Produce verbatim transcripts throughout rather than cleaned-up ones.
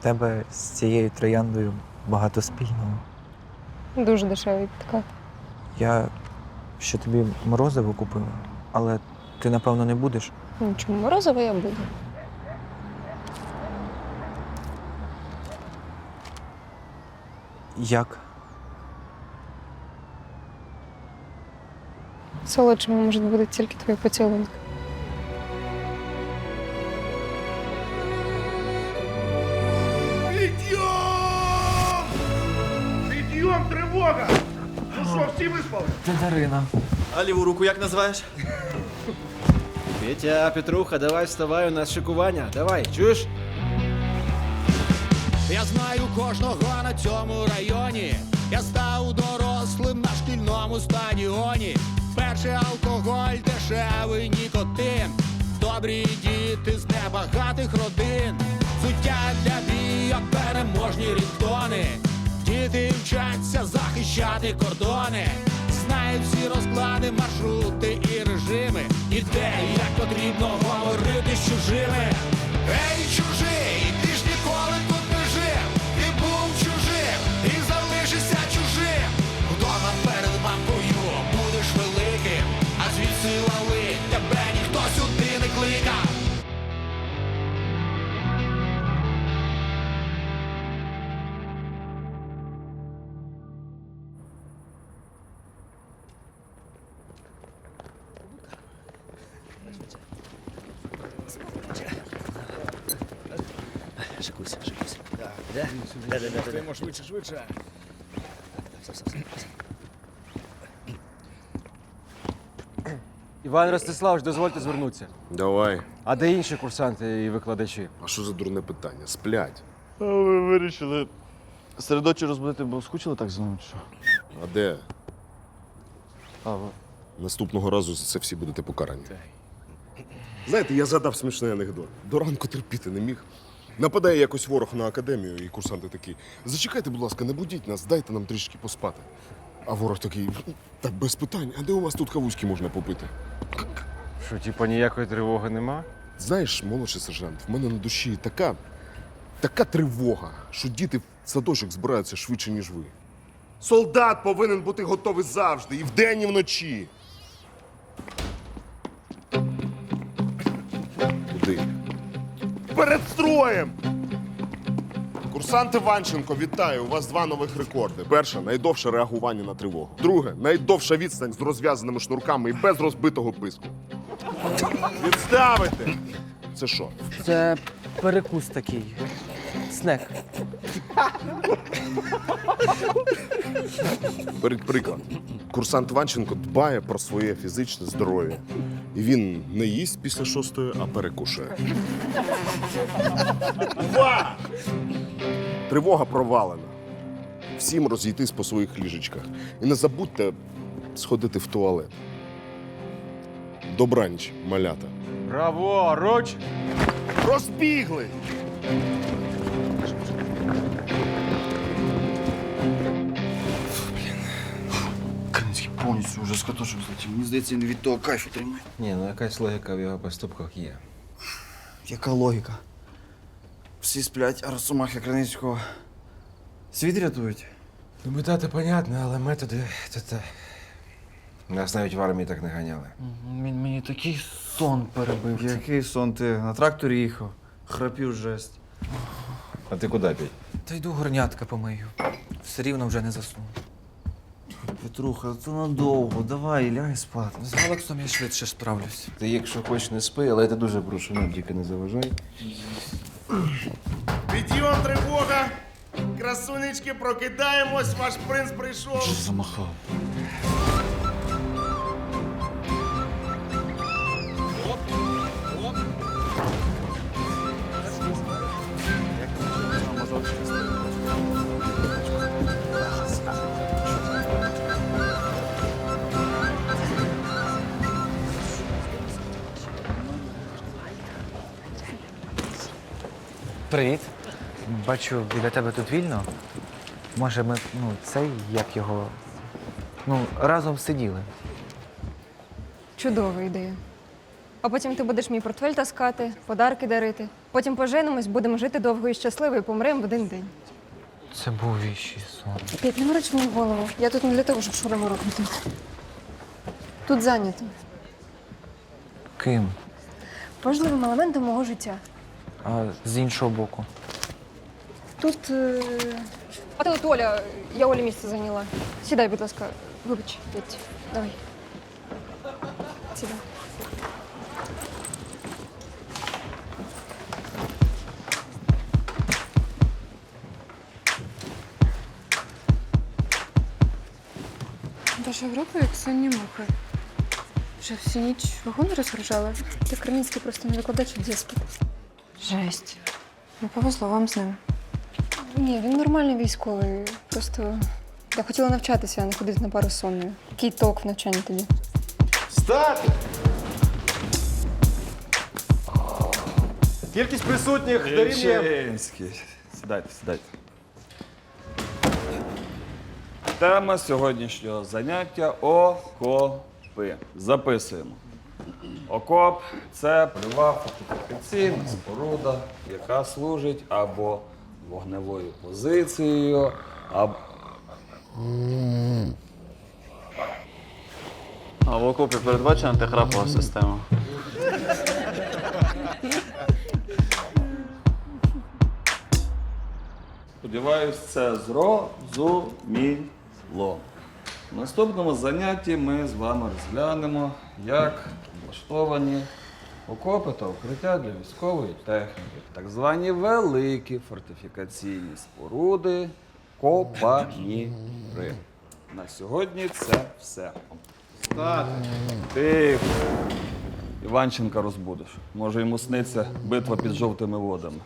тебе з цією трояндою багато спільного. Дуже дешевий підкат. Я ще тобі морозиво купила, але ти, напевно, не будеш. Ну, чому морозиво я буду? Як? Солодшими можуть бути тільки твої поцілунки. Підйом! Підйом, тривога! Ну що, всі виспали? Це Дарина. А ліву руку як називаєш? Петя, Петруха, давай вставай, у нас шикування. Давай, чуєш? Я знаю кожного на цьому районі. Я став дорослим на шкільному стадіоні. Перший алкоголь, дешевий нікотин. Добрі діти з небагатих родин. Суття для бійок, переможні рідтони. Діти вчаться захищати кордони. Знають всі розклади, маршрути і режими. І де, і як потрібно говорити з чужими. Ей, чужий, ти ж ніколи тут не жив. Ти був чужим і залишишся чужим. Вдома перед мамкою будеш великим, а звідси лали тебе ніхто сюди не кликав. Шикуйся, шикуйся. Да, да, да, да, да, да. Швидше, швидше. Іван Ростиславович, дозвольте звернутися. Давай. А де інші курсанти і викладачі? А що за дурне питання? Сплять. А ви вирішили серед ночі розбудити, бо скучили так за мною, чи що? А де? А, ви. Наступного разу за це всі будете покарані. Знаєте, я згадав смішний анекдот. До ранку терпіти не міг. Нападає якось ворог на академію, і курсанти такі: зачекайте, будь ласка, не будіть нас, дайте нам трішки поспати. А ворог такий: так без питань, а де у вас тут кавузьки можна попити? Що, типа ніякої тривоги нема? Знаєш, молодший сержант, в мене на душі така, така тривога, що діти в садочок збираються швидше, ніж ви. Солдат повинен бути готовий завжди, і вдень, і вночі. Куди? Перед строєм! Курсант Іванченко, вітаю! У вас два нових рекорди. Перше – найдовше реагування на тривогу. Друге – найдовша відстань з розв'язаними шнурками і без розбитого писку. Відставити! Це що? Це перекус такий. Снек. Беріть приклад. Курсант Іванченко дбає про своє фізичне здоров'я. І він не їсть після шостої, а перекушує. Увага! Тривога провалена. Всім розійтись по своїх ліжечках. І не забудьте сходити в туалет. Добраніч, малята. Браво, руч! Розбігли! Кам'янський повністю вже з катушок злетів. Мені здається, він від того кайфу тримає. Ні, ну якась логіка в його поступках є. Яка логіка? Всі сплять, а Росомахи Криницького світ рятують. Ну, мета-то понятно, але методи то те. Нас навіть в армії так не ганяли. Він мені такий сон перебив. Який сон ти? На тракторі їхав. Храпів жесть. А ти куди пій? Та йду горнятка помию. Все рівно вже не засну. Петруха, це надовго. Давай, лягай спати. З Алексом я швидше справлюсь. Ти, якщо хочеш, не спи, але я тебе дуже прошу, нам тільки не заважай. Підйом, тривога! Красунечки, прокидаємось, ваш принц прийшов. Що замахав? Привіт. Бачу, біля тебе тут вільно. Може, ми, ну, цей, як його. Ну, разом сиділи. Чудова ідея. А потім ти будеш мій портфель таскати, подарки дарити. Потім поженимось, будемо жити довго і щасливо і помремо в один день. Це був віщий сон. П'ять, не мороч мені голову. Я тут не для того, щоб шурами робити. Тут зайнято. Ким? Важливим елементом мого життя. А з іншого боку. Тут. Е... А тут Оля, я Олі місце зайняла. Сідай, будь ласка. Вибач, Петь. Давай. Сідай. Ваша група як сонні мухи. Вже всю ніч вагони розгружали? Ти Кремінський просто не викладач в дєспіт. Жесть. Не повезло вам з ним. Ні, він нормальний військовий. Просто я хотіла навчатися, а не ходити на пару з сонною. Який толк в навчанні тоді? Стати! Кількість присутніх дорівнює... Ільчинський. Сідайте, сідайте. Тема сьогоднішнього заняття – окопи. Записуємо. Окоп – це польова фортифікаційна споруда, яка служить або вогневою позицією, або... А в окопі передбачена антихрапова система. Сподіваюсь, це зрозуміло. В наступному занятті ми з вами розглянемо, як влаштовані окопи та укриття для військової техніки. Так звані великі фортифікаційні споруди – копаніри. На сьогодні це все. Стати! Тихо. Іванченка розбудиш. Може, йому сниться битва під жовтими водами.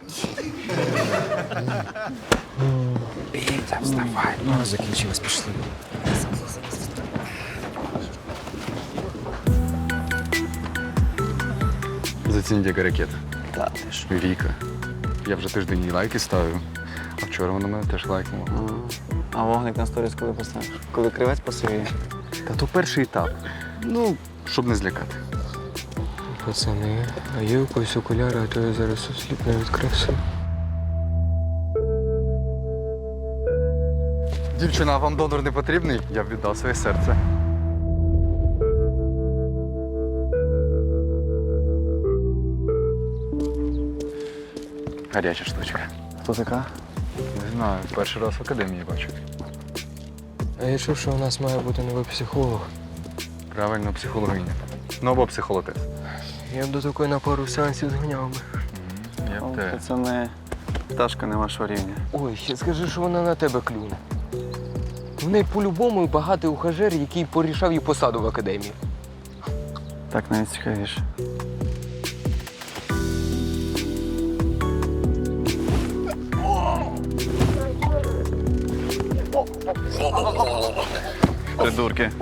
Петя, вставай. Ну, закінчилось, пішли. Зацініть, яка ракета. Віка. Я вже тиждень їй лайки ставив, а вчора вона мене теж лайкнула. А вогник на сторіс коли поставиш? Коли кривець посивіє? Та то перший етап. Ну, щоб не злякати. Пацани, а є у когось окуляри, а то я зараз осліпну від краси. Дівчина, а вам донор не потрібний? Я б віддав своє серце. Гаряча штучка. Хто така? Не знаю, перший раз в академії бачу. А я чув, що у нас має бути новий психолог. Правильно, психологиня. Ну або психолотець. Я б до такої на пару сеансів зганяв би. Я б теж. Це не пташка не вашого рівня. Ой, ще скажи, що вона на тебе клюне. В неї по-любому багатий ухажер, який порішав їй посаду в академії. Так навіть цікавіше. Придурки.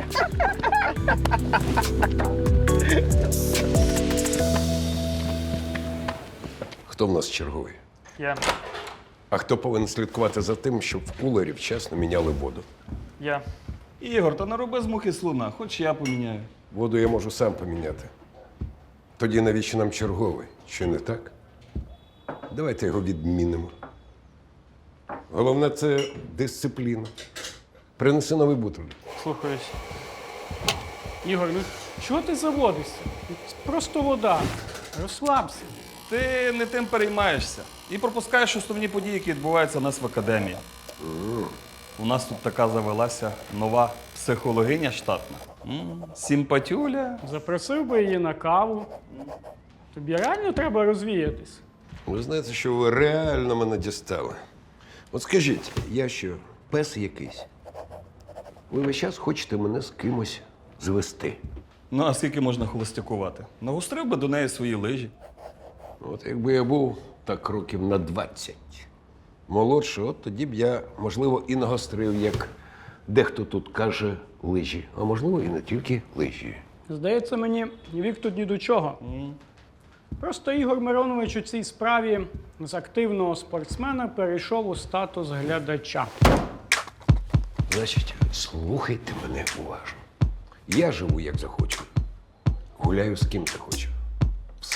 Хто в нас черговий? Я. А хто повинен слідкувати за тим, щоб в кулері вчасно міняли воду? Я. Ігор, та не роби з мухи слона, хоч я поміняю. Воду я можу сам поміняти. Тоді навіщо нам черговий? Чи не так? Давайте його відмінимо. Головне – це дисципліна. Принеси новий бутиль. Слухаюсь. Ігор, ну чого ти заводишся? Це просто вода. Розслабся. Ти не тим переймаєшся і пропускаєш основні події, які відбуваються у нас в академії. У нас тут така завелася нова психологиня штатна. М, Симпатюля. Запросив би її на каву. Тобі реально треба розвіятись. Ви знаєте, що ви реально мене дістали. От скажіть, я що, пес якийсь? Ви весь час хочете мене з кимось звести. Ну, а скільки можна холостякувати? Нагострив би до неї свої лижі. От якби я був так років на двадцять молодший, от тоді б я, можливо, і нагострив, як дехто тут каже, лижі. А можливо, і не тільки лижі. Здається мені, вік тут ні до чого. Просто Ігор Миронович у цій справі з активного спортсмена перейшов у статус глядача. Значить, слухайте мене уважно. Я живу, як захочу. Гуляю з ким захочу.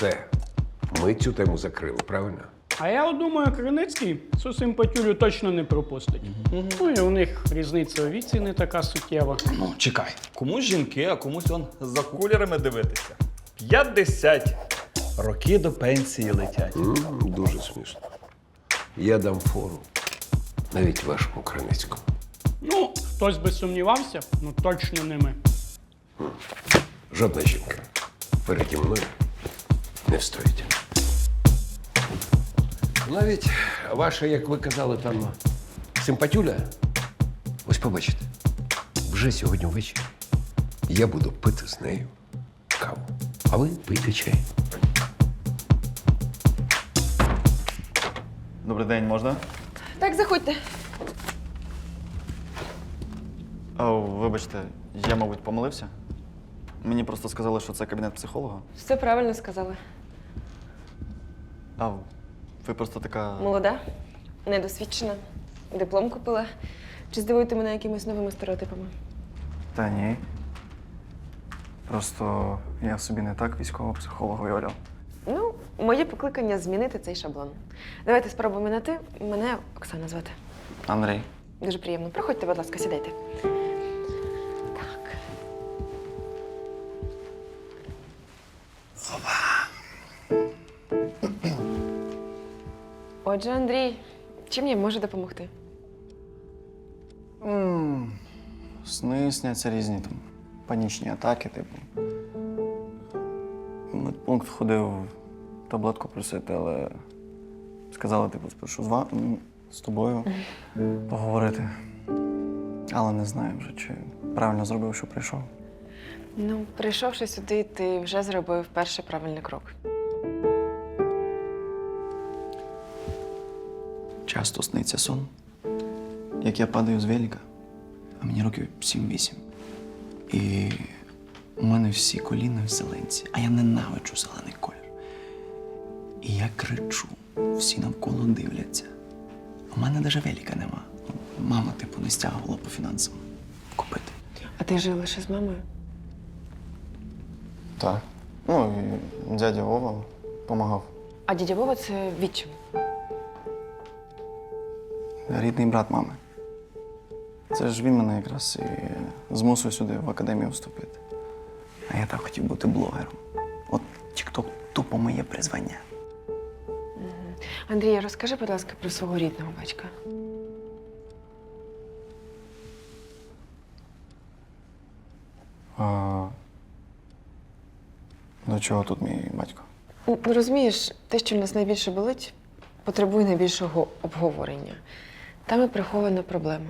Все. Ми цю тему закрили, правильно? А я от думаю, Криницький цю симпатюлю точно не пропустить. Ну і у них різниця у віці не така суттєва. Ну, чекай. Комусь жінки, а комусь он за кулерами дивитися. п'ятдесят. Роки до пенсії летять. М, дуже смішно. Я дам фору навіть вашому Криницькому. Ну, хтось би сумнівався, ну точно не ми. Жодна жінка переді мною не встоїть. Навіть ваша, як ви казали, там симпатюля. Ось побачите, вже сьогодні ввечері я буду пити з нею каву. А ви пийте чай. Добрий день, можна? Так, заходьте. О, вибачте, я, мабуть, помилився. Мені просто сказали, що це кабінет психолога. Все правильно сказали. А ви просто така. Молода, недосвідчена, диплом купила. Чи здивуєте мене якимись новими стереотипами? Та ні. Просто я собі не так військового психолога уявляв. Ну, моє покликання змінити цей шаблон. Давайте спробуємо на ти. Мене Оксана звати. Андрій. Дуже приємно. Проходьте, будь ласка, сідайте. Так. Отже, Андрій, чим я можу допомогти? М, Сни сняться різні там. Панічні атаки, типу. В медпункт ходив таблетку просити, але сказали, типу, спершу з ва- м, з тобою поговорити. Але не знаю вже, чи правильно зробив, що прийшов. Ну, прийшовши сюди, ти вже зробив перший правильний крок. Часто сниться сон, як я падаю з велика, а мені років сім-вісім. І у мене всі коліна в зеленці, а я ненавиджу зелений колір. І я кричу, всі навколо дивляться. У мене навіть велика нема. Мама, типу, не стягувала по фінансам купити. А ти жив лише з мамою? Так. Ну, і дядя Вова допомагав. А дядя Вова це відчим. Рідний брат мами. Це ж він мене якраз і змусив сюди в академію вступити. А я так хотів бути блогером. От TikTok тупо моє призвання. Андрій, розкажи, будь ласка, про свого рідного батька. А... До чого тут мій батько? Ну, розумієш, те, що в нас найбільше болить, потребує найбільшого обговорення. Там і прихована проблема.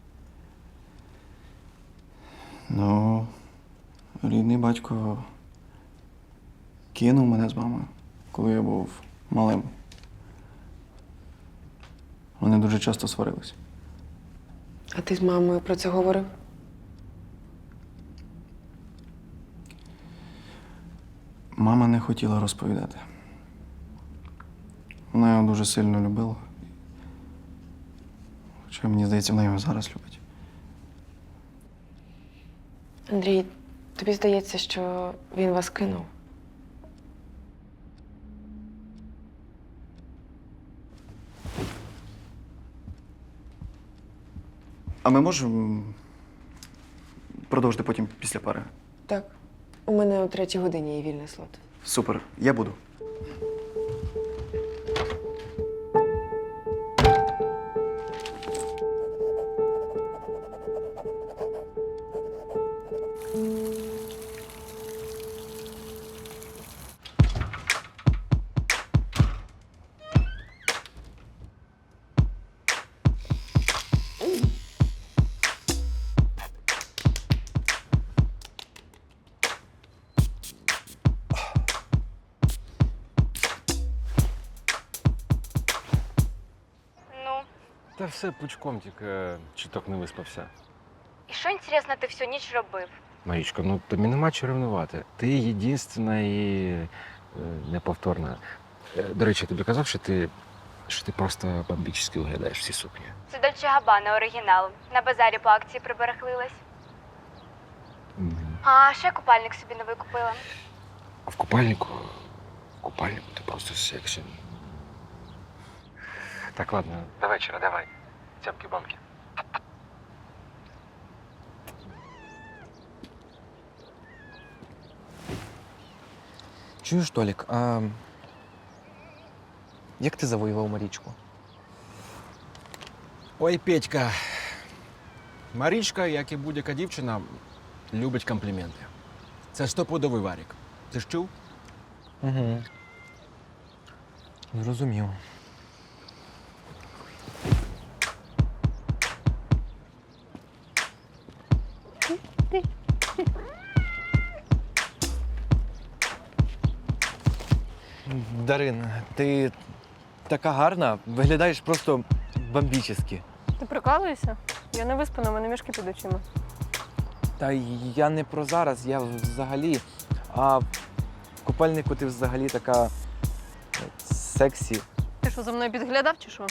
Ну, рідний батько кинув мене з мамою, коли я був малим. Вони дуже часто сварились. А ти з мамою про це говорив? Мама не хотіла розповідати. Вона його дуже сильно любила. Хоча, мені здається, вона його зараз любить. Андрій, тобі здається, що він вас кинув? А ми можемо продовжити потім після пари? Так. У мене о третій годині є вільний слот. Супер, я буду. Ну. Та все пучком, тільки чуток не виспався. І що, інтересно, ти всю ніч робив? Марічко, ну тобі нема чого ревнувати. Ти єдинственна і е, неповторна. Е, До речі, я тобі казав, що ти, що ти просто бомбічно виглядаєш всі сукні. Це Дольче Габбана оригінал. На базарі по акції прибереглилась. А ще купальник собі новий купила. А в купальнику купальнику ти просто сексі. Так, ладно, до вечора, давай. Цямки-бамки. Чуєш, Толік, а як ти завоював Марічку? Ой, Петька. Марічка, як і будь-яка дівчина, любить компліменти. Це стопудовий варік. Ти ж чув? Угу. Зрозумів. Дарин, ти така гарна, виглядаєш просто бомбічески. Ти прикалуєшся? Я не виспана, у мене мішки під очима. Та я не про зараз, я взагалі. А в купальнику ти взагалі така е, сексі. Ти що, за мною підглядав чи що?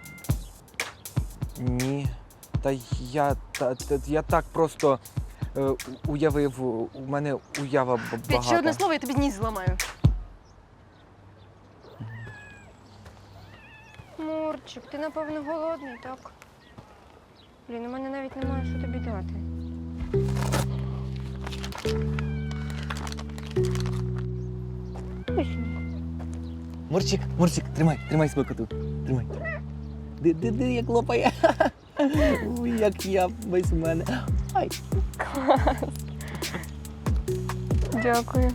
Ні. Та я, та, та, я так просто е, у- уявив, у мене уява б- Петь, багата. ще одне слово, я тобі ніс зламаю. Мурчик, ти напевно голодний, так? Блін, у мене навіть немає що тобі дати. Мурчик, Мурчик, тримай, тримай свою коту. Тримай. Ди, ди, ди, як лопає. Ой, як я весь у мене. Ай. Дякую.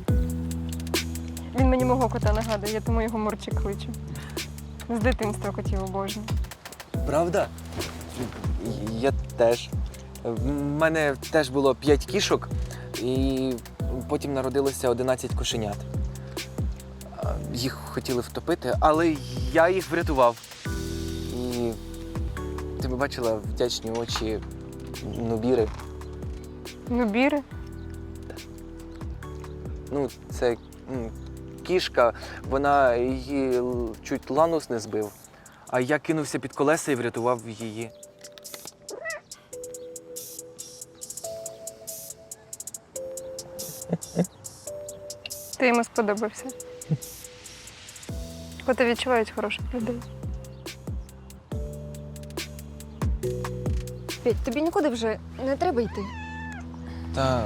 Він мені мого кота нагадує, я тому його Мурчик кличу. З дитинства котів обожнюю. Правда? Я теж. В мене теж було п'ять кішок, і потім народилося одинадцять кошенят. А, їх хотіли втопити, але я їх врятував. І ти б бачила вдячні очі Нубіри. Нубіри? Ну, це м, кішка, вона її л- чуть ланус не збив, а я кинувся під колеса і врятував її. Ти йому сподобався. Коти відчувають хороших людей. Петь, тобі нікуди вже не треба йти. Так.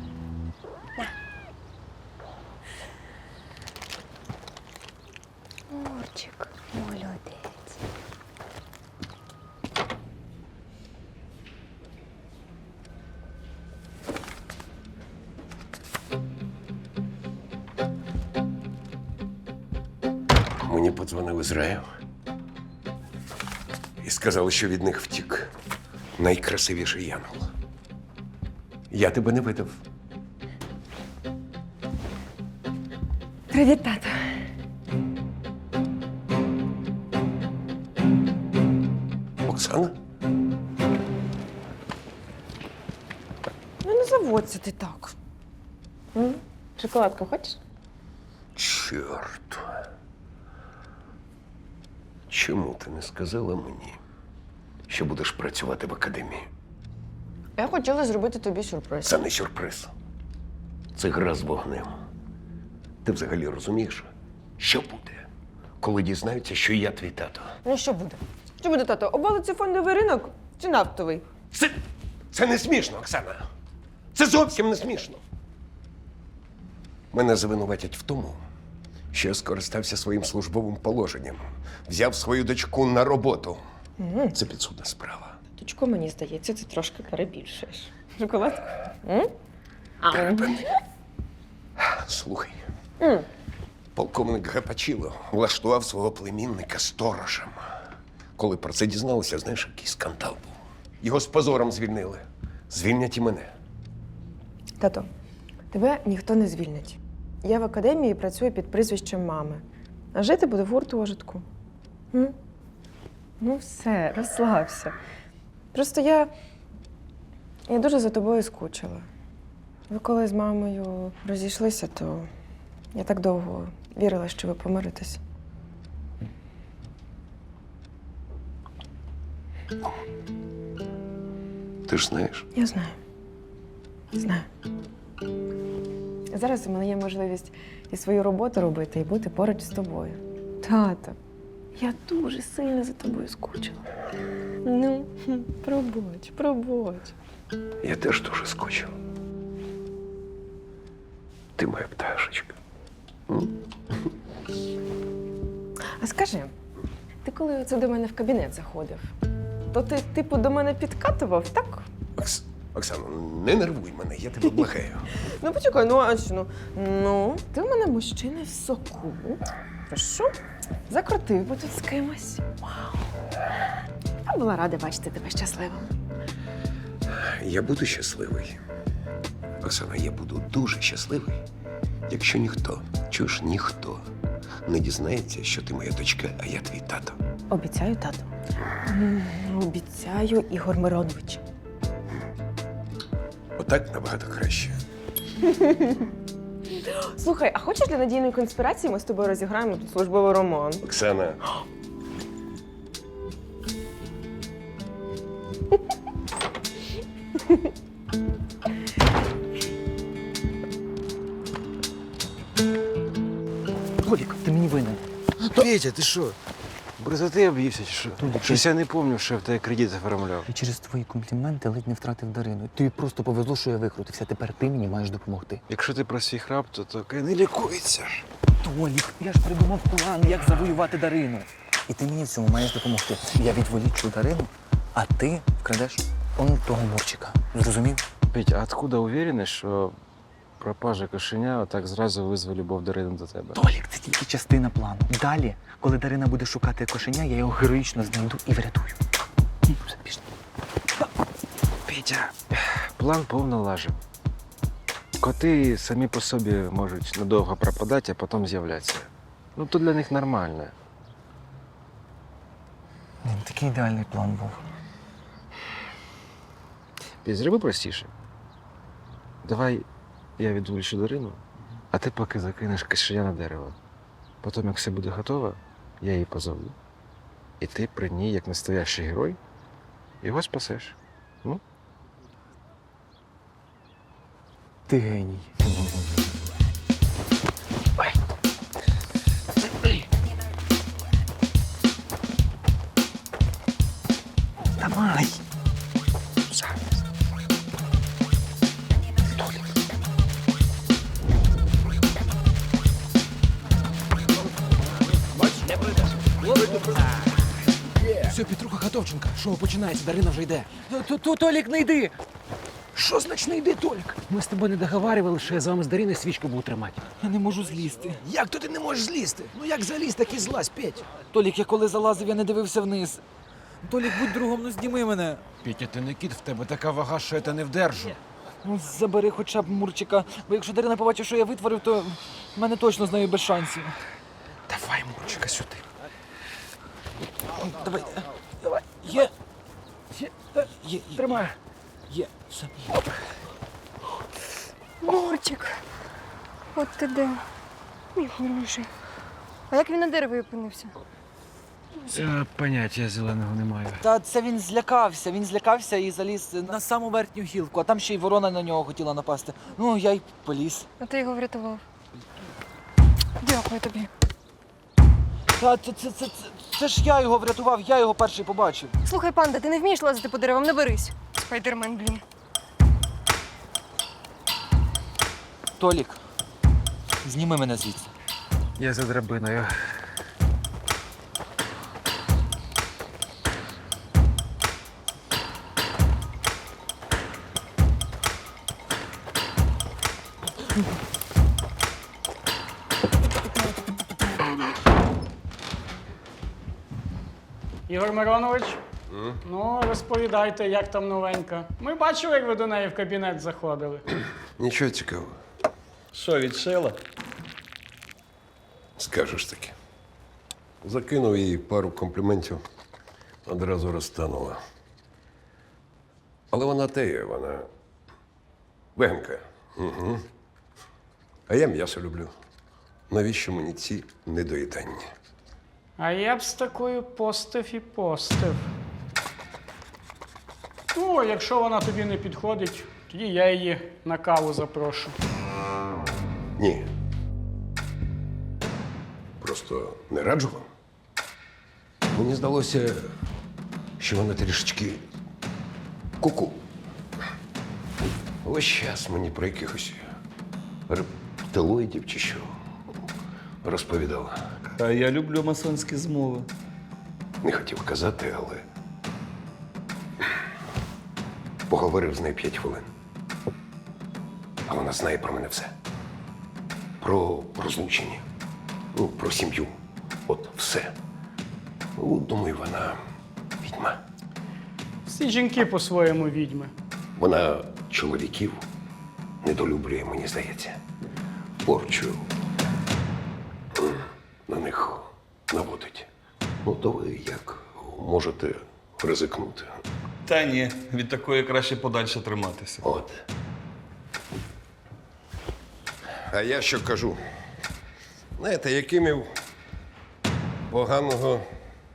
Мурчик, молодець. Мені подзвонив Ізраїл і сказали, що від них втік найкрасивіший янгол. Я тебе не видав. Привіт, тато. Оксана? Ну не заводься ти так. М? Шоколадку хочеш? Чорт. Чому ти не сказала мені, що будеш працювати в академії? Я хотіла зробити тобі сюрприз. Це не сюрприз. Це гра з вогнем. Ти взагалі розумієш, що буде, коли дізнаються, що я твій тато? Ну що буде? Що буде, тато? Обвалиться фондовий ринок чи нафтовий? Це, це не смішно, Оксана. Це зовсім не смішно. Мене звинуватять в тому, що я скористався своїм службовим положенням, взяв свою дочку на роботу. М. Це підсудна справа. Дочко, мені здається, ти трошки перебільшуєш. Шоколадку? М? Припини. Слухай, М. полковник Гапачіло влаштував свого племінника сторожем. Коли про це дізналися, знаєш, який скандал був. Його з позором звільнили. Звільнять і мене. Тато, тебе ніхто не звільнить. Я в академії працюю під прізвищем мами. А жити буду в гуртожитку. М? Ну все, розслабся. Просто я. Я дуже за тобою скучила. Ви коли з мамою розійшлися, то я так довго вірила, що ви помиритесь. Ти ж знаєш. Я знаю. Знаю. Зараз у мене є можливість і свою роботу робити, і бути поруч з тобою. Тато, я дуже сильно за тобою скучила. Ну, хм, пробач, пробач. Я теж дуже скучив. Ти моя пташечка. А скажи, ти коли оце до мене в кабінет заходив, то ти, типу, до мене підкатував, так? Окс... Оксано, не нервуй мене, я тебе благаю. Ну, почекай, ну а що? Ну, ну ти в мене мужчина в соку. Прошу, закрутив би тут з кимось. Вау. Я була рада бачити тебе щасливим. Я буду щасливий. Оксана, я буду дуже щасливий, якщо ніхто, чуєш, ніхто не дізнається, що ти моя дочка, а я твій тато. Обіцяю, тату. М, Обіцяю, Ігор Миронович. Отак набагато краще. Слухай, а хочеш для надійної конспірації ми з тобою розіграємо тут службовий роман? Оксана. Толік, ти мені винен. Петя, ти що? Бризоти об'ївся чи що? Щось я не пам'ятаю, що я в тебе кредит оформляв. І через твої компліменти ледь не втратив Дарину. Тобі просто повезло, що я викрутився. Тепер ти мені маєш допомогти. Якщо ти про свій храп, то таке не лікується. Толік, я ж придумав план, як завоювати Дарину. І ти мені в цьому маєш допомогти. Я відволічу Дарину, а ти вкрадеш он того Мурчика. Зрозумів? Петя, а откуда уверений, що пропажа кошеня отак зразу визве любов Дарини до тебе? Толік, це тільки частина плану. Далі, коли Дарина буде шукати кошеня, я його героїчно знайду і врятую. Все, пішли. Петя, план повно лажив. Коти самі по собі можуть надовго пропадати, а потім з'являтися. Ну, то для них нормально. Блін, такий ідеальний план був. Петь, зроби простіше. Давай я відволічу Дарину, а ти поки закинеш кишеня на дерево. Потім, як все буде готово, я її позову. І ти при ній, як настоящий герой, його спасеш. Ну? Ти геній. Давай. Все, Петруха Хатовченка, шоу починається, Дарина вже йде. Толік, не йди! Що значить не йди, Толік? Ми з тобою не договарювали, що я з вами з Дариною свічку буду тримати. Я не можу злізти. Як то ти не можеш злізти? Ну як заліз, так і злазь, Петь. Толік, я коли залазив, я не дивився вниз. Толік, будь другом, ну зніми мене. Петя, ти не кіт, в тебе така вага, що я те не вдержу. Ну, забери хоча б Мурчика, бо якщо Дарина побачить, що я витворив, то в мене точно з нею без шансів. Давай, Мурчика, сюди. Давай, давай, є. Є, є, Тримай. є, все. Мурчик, от ти де. Мій хороший. А як він на дереві опинився? Е, Поняття зеленого не маю. Та це він злякався, він злякався і заліз на саму верхню гілку, а там ще й ворона на нього хотіла напасти. Ну, я й поліз. А ти його врятував. Дякую тобі. Та це, це, це, це, це ж я його врятував, я його перший побачив. Слухай, панда, ти не вмієш лазити по деревам, не берись. Спайдермен, блін. Толік, зніми мене звідси. Я за драбиною. Ігор Миронович, ну розповідайте, як там новенька. Ми бачили, як ви до неї в кабінет заходили. Нічого цікавого. Що, відшила? Скажеш таки. Закинув їй пару компліментів, одразу розтанула. Але вона теє, вона веганка. Угу. А я м'ясо люблю. Навіщо мені ці недоїдання? А я б з такою постив і постив. Ну, якщо вона тобі не підходить, тоді я її на каву запрошу. Ні. Просто не раджу вам. Мені здалося, що вона трішечки куку. Ось час мені про якихось рептилоїдів чи що розповідала. А я люблю масонські змови. Не хотів казати, але поговорив з нею п'ять хвилин. А вона знає про мене все. Про розлучення, ну, про сім'ю. От все. Ну, думаю, вона відьма. Всі жінки по-своєму відьми. Вона чоловіків недолюблює, мені здається. Порчу м, на них наводить. Ну, то ви як можете ризикнути. Та ні, від такої краще подальше триматися. От. А я що кажу? Знаєте, Якимів поганого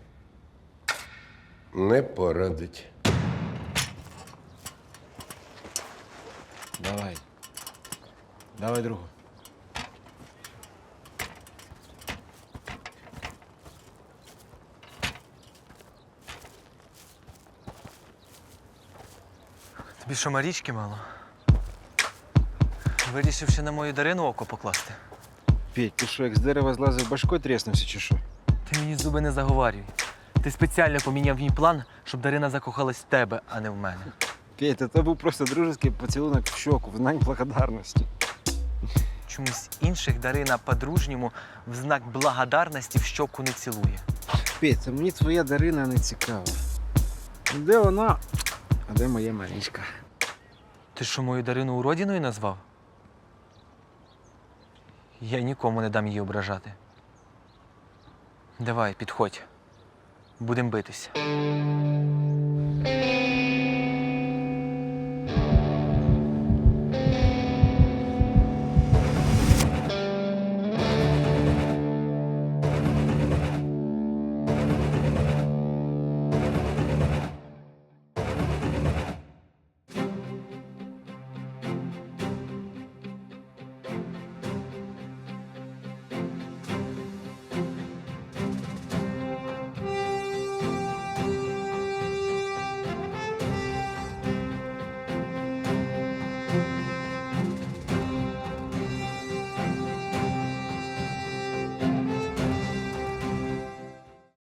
не порадить. Давай. Давай другу. Тобі що, Марічки мало? Вирішив ще на мою Дарину око покласти. Петь, ти що, як з дерева злазив, башкою тріснувся чи що? Ти мені зуби не заговарюй. Ти спеціально поміняв мій план, щоб Дарина закохалась в тебе, а не в мене. Петь, це був просто дружеский поцілунок в щоку, в знак благодарності. Чомусь інших Дарина по-дружньому в знак благодарності в щоку не цілує. Петь, це мені твоя Дарина не цікава. Де вона, а де моя Марічка? Ти що, мою Дарину уродіною назвав? Я нікому не дам її ображати. Давай, підходь. Будем битися.